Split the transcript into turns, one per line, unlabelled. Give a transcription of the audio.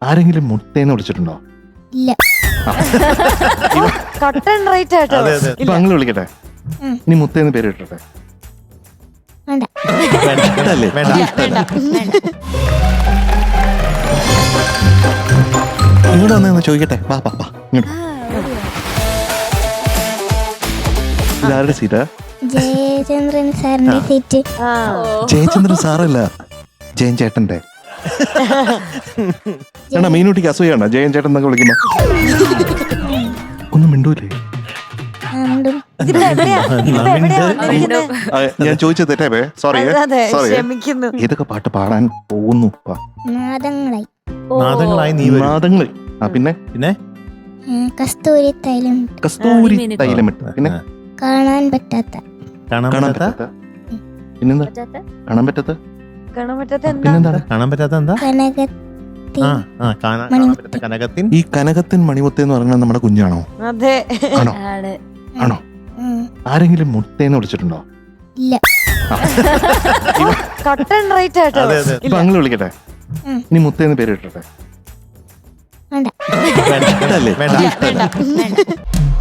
ആരെങ്കിലും മുത്തേന്ന് വിളിച്ചിട്ടുണ്ടോ?
ഇല്ല.
കട്ടൻ റൈറ്റ് ആയിട്ടോ.
ഇപ്പൊ അങ്ങനെ വിളിക്കട്ടെ. ഇനി മുത്തേന്ന് പേര് ഇട്ടട്ടെ.
വേണ്ട.
ഇഷ്ടല്ലേ? ഇങ്ങോട്ട് വന്ന് ചോദിക്കട്ടെ. വാ വാ വാ ഇങ്ങോട്ട്. ഇതാരുടെ സീറ്റാ?
ജയചന്ദ്രൻ സാറിന്റെ സീറ്റ്.
ജയചന്ദ്രൻ സാറല്ല, ജയൻ ചേട്ടന്റെ. എന്നാ മീനൂട്ടിക്ക് അസൂയാണ് ജയൻ ചേട്ടൻ എന്നൊക്കെ വിളിക്കുമ്പോ. ഒന്നും മിണ്ടൂലേ? ഞാൻ ചോദിച്ചത് തെറ്റേ. Sorry sorry.
ക്ഷമിക്കുന്നു.
ഏതൊക്കെ പാട്ട് പാടാൻ പോകുന്നു?
നാദങ്ങളായി.
നാദങ്ങൾ. പിന്നെ
പിന്നെ
കസ്തൂരി തൈലമിട്ട്.
കസ്തൂരി തൈലമിട്ട്. പിന്നെ
കാണാൻ പറ്റാത്ത.
കാണാൻ പറ്റാത്ത. പിന്നെന്താ? കാണാൻ പറ്റാത്ത. പിന്നെന്താണ്?
കാണാൻ പറ്റാത്ത എന്താ? കനകത്തിൻ.
ഈ കനകത്തിൻ മണിമുത്ത് എന്ന് പറഞ്ഞാൽ നമ്മുടെ കുഞ്ഞാണോ?
അതെ.
ആണോ? ആണോ? ആരെങ്കിലും മുത്തേന്ന് വിളിച്ചിട്ടുണ്ടോ?
ഇല്ല.
കട്ടൻ റൈറ്റ് ആയിട്ടോ.
ഇപ്പൊ അങ്ങനെ വിളിക്കട്ടെ. ഇനി മുത്തേന്ന് പേര് ഇട്ടട്ടെ.
വേണ്ട.
ഇഷ്ടല്ലേ?
വേണ്ട.